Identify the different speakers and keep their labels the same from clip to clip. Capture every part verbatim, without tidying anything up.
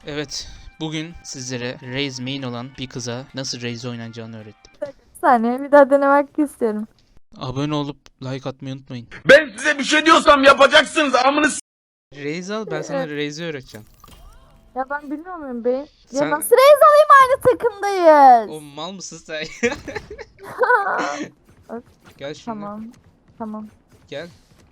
Speaker 1: Evet, bugün sizlere Raze main olan bir kıza nasıl Raze oynanacağını öğrettim.
Speaker 2: Bir saniye bir daha denemek istiyorum.
Speaker 1: Abone olup like atmayı unutmayın.
Speaker 3: Ben size bir şey diyorsam yapacaksınız amını s-
Speaker 1: Raze al, ben sana Raze'i öğreteceğim.
Speaker 2: Ya ben bilmiyor muyum beyin? Ya
Speaker 1: Sen-
Speaker 2: nasıl reis alayım, aynı takımdayız.
Speaker 1: O mal mısın sen? Gel şimdi.
Speaker 2: Tamam. Tamam.
Speaker 1: Gel.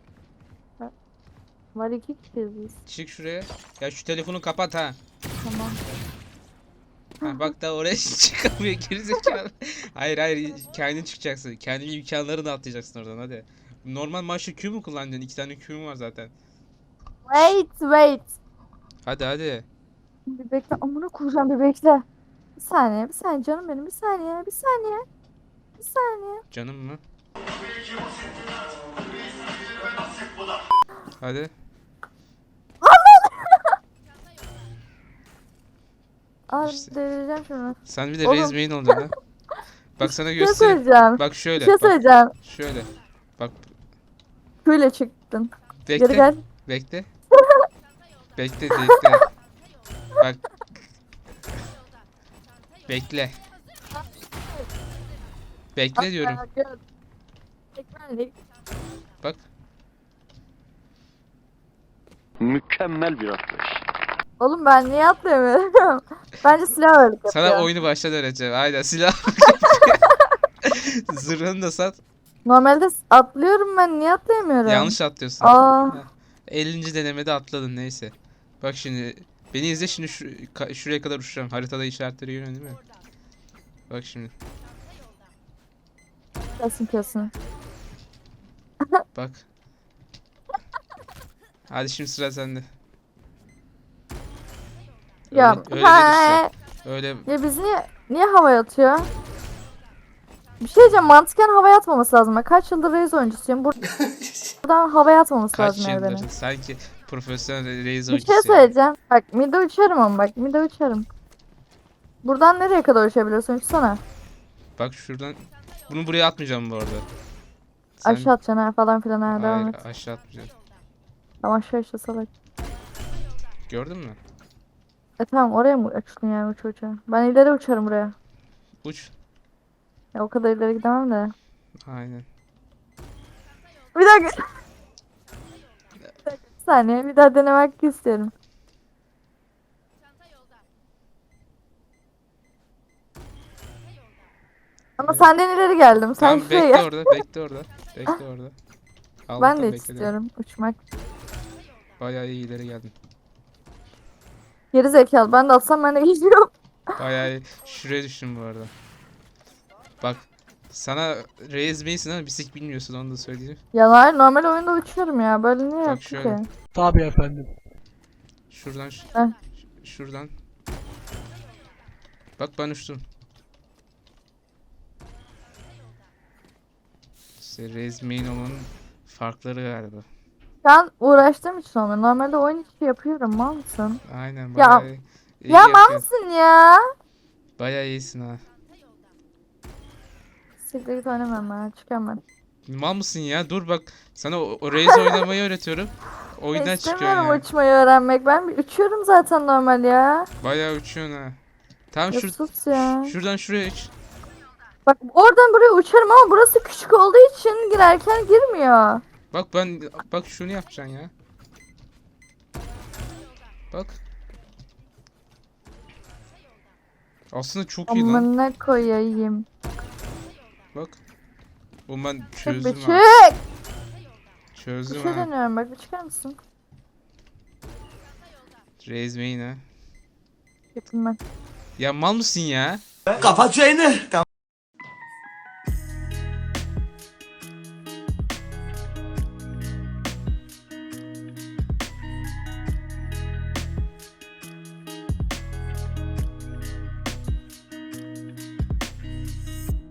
Speaker 2: Var iki kişiyiz biz.
Speaker 1: Çık şuraya. Ya şu telefonu kapat ha.
Speaker 2: Tamam.
Speaker 1: Ha bak da oraya çıkamıyor gerizekalı. Hayır hayır, kendin çıkacaksın. Kendi imkanlarını atlayacaksın oradan hadi. Normal maçta Q mu kullanacaksın? İki tane Q'm var zaten.
Speaker 2: Wait wait.
Speaker 1: Hadi hadi.
Speaker 2: Bir bekle, amına koyacağım, bir bekle. Bir saniye bir saniye canım benim, bir saniye bir saniye. Bir saniye.
Speaker 1: Canım mı? Hadi.
Speaker 2: Aa,
Speaker 1: İşte.
Speaker 2: delireceğim şunu.
Speaker 1: Sen bir de
Speaker 2: Oğlum.
Speaker 1: Raze main olacaksın ha. Bak sana
Speaker 2: Bir şey
Speaker 1: göstereyim.
Speaker 2: söyleyeceğim.
Speaker 1: Bak
Speaker 2: Bir
Speaker 1: şöyle.
Speaker 2: şey
Speaker 1: Bak
Speaker 2: söyleyeceğim.
Speaker 1: şöyle. Bak
Speaker 2: Şöyle çıktın. Geri
Speaker 1: bekle.
Speaker 2: gel.
Speaker 1: Bekle. Bekle bekle. Bak. Bekle. Bekle diyorum.
Speaker 2: Aa, gel. Ekmeğini-
Speaker 1: Bak.
Speaker 3: Mükemmel bir atlayış.
Speaker 2: Oğlum ben niye atlayamıyorum? Bence silah öyle yapıyor.
Speaker 1: Sana oyunu baştan öğreteceğim. Aynen silah. Zırhını da sat.
Speaker 2: Normalde s- atlıyorum, ben niye atlayamıyorum?
Speaker 1: Yanlış atlıyorsun.
Speaker 2: Aa,
Speaker 1: ellinci denemede atladın neyse. Bak şimdi. Beni izle şimdi şu, ka- şuraya kadar uçacağım. Haritada işaretleri görüyorsun değil mi? Bak şimdi.
Speaker 2: kesin kesin.
Speaker 1: Bak. Hadi şimdi sıra sende.
Speaker 2: Ya
Speaker 1: Öyle, öyle değil
Speaker 2: he,
Speaker 1: işte. Öyle
Speaker 2: ya biz niye niye havaya atıyor? Bir şey diyeceğim, mantıken havaya atmaması lazım. Ben kaç yıldır Raze oyuncusuyum. Bur- Buradan havaya atmaması
Speaker 1: kaç
Speaker 2: lazım yani
Speaker 1: yıldır
Speaker 2: beni.
Speaker 1: sanki profesyonel Raze
Speaker 2: Bir şey
Speaker 1: oyuncusu yani.
Speaker 2: söyleyeceğim. Bak mid'e uçarım ama bak mid'e uçarım. Buradan nereye kadar uçabiliyorsun? Uçsana.
Speaker 1: Bak şuradan. Bunu buraya atmayacağım bu arada. Sen...
Speaker 2: Aşağı atacaksın ha falan filan ha, devam
Speaker 1: Hayır
Speaker 2: et.
Speaker 1: aşağı atmayacağım.
Speaker 2: Tamam, aşağı aşağı salak.
Speaker 1: Gördün mü?
Speaker 2: E tamam, oraya mı uçtun yani, uç uça? Ben ileri uçarım buraya.
Speaker 1: Uç.
Speaker 2: Ya o kadar ileri gidemem de.
Speaker 1: Aynen.
Speaker 2: Bir dakika. Bir saniye bir daha denemek istiyorum. Ama
Speaker 1: Evet.
Speaker 2: senden ileri geldim. Sen
Speaker 1: Tamam
Speaker 2: şuraya
Speaker 1: bekle
Speaker 2: gel.
Speaker 1: orada, bekle orada. Bekle orada.
Speaker 2: Ben
Speaker 1: Allah'tan
Speaker 2: de
Speaker 1: bekledim.
Speaker 2: istiyorum uçmak.
Speaker 1: Bayağı iyi ileri geldin.
Speaker 2: Geri zekalı. Ben de atsam ben de gidiyorum.
Speaker 1: Bayağı iyi. Şuraya düştüm bu arada. Bak. Sana Raze Mason ama bisik bilmiyorsun onu da söyleyeyim.
Speaker 2: Ya hayır, normal oyunda uçuyorum ya. Böyle niye
Speaker 1: Bak
Speaker 2: yaptın
Speaker 1: şöyle.
Speaker 2: ki?
Speaker 4: Tabii efendim.
Speaker 1: Şuradan ş-
Speaker 2: Heh.
Speaker 1: şuradan. Bak ben uçtum. İşte Raze Main olmanın farkları galiba.
Speaker 2: Ben uğraştığım için olmuyor. Normalde oyun içi yapıyorum. Mal mısın?
Speaker 1: Aynen
Speaker 2: Ya-
Speaker 1: bayağı iyi. iyi
Speaker 2: Ya mal
Speaker 1: yapıyorsun.
Speaker 2: mısın ya?
Speaker 1: Bayağı iyisin ha.
Speaker 2: Siktir git, oynamam ben. Çıkıyorum ben.
Speaker 1: Mal mısın ya? Dur bak. Sana o, o Raze oynamayı öğretiyorum. Oyundan
Speaker 2: Ya
Speaker 1: çıkıyorsun
Speaker 2: İstemiyorum
Speaker 1: ya.
Speaker 2: uçmayı öğrenmek. Ben bir uçuyorum zaten normal ya.
Speaker 1: Bayağı uçuyorsun ha. Tamam
Speaker 2: Ya
Speaker 1: şur
Speaker 2: sus ya.
Speaker 1: şuradan şuraya uç.
Speaker 2: Bak oradan buraya uçarım ama burası küçük olduğu için girerken girmiyor.
Speaker 1: Bak ben bak şunu yapacaksın ya. Bak. Aslında çok iyi lan.
Speaker 2: Amına koyayım.
Speaker 1: Bak. Oğlum ben
Speaker 2: Çık bir
Speaker 1: çözdüm
Speaker 2: çık.
Speaker 1: ha.
Speaker 2: Bir
Speaker 1: Çözdüm
Speaker 2: şey
Speaker 1: ha.
Speaker 2: deniyorum, bak bir çıkar mısın?
Speaker 1: Raise main ha.
Speaker 2: Yapayım ben.
Speaker 1: Ya mal mısın ya?
Speaker 3: Kapat çayını.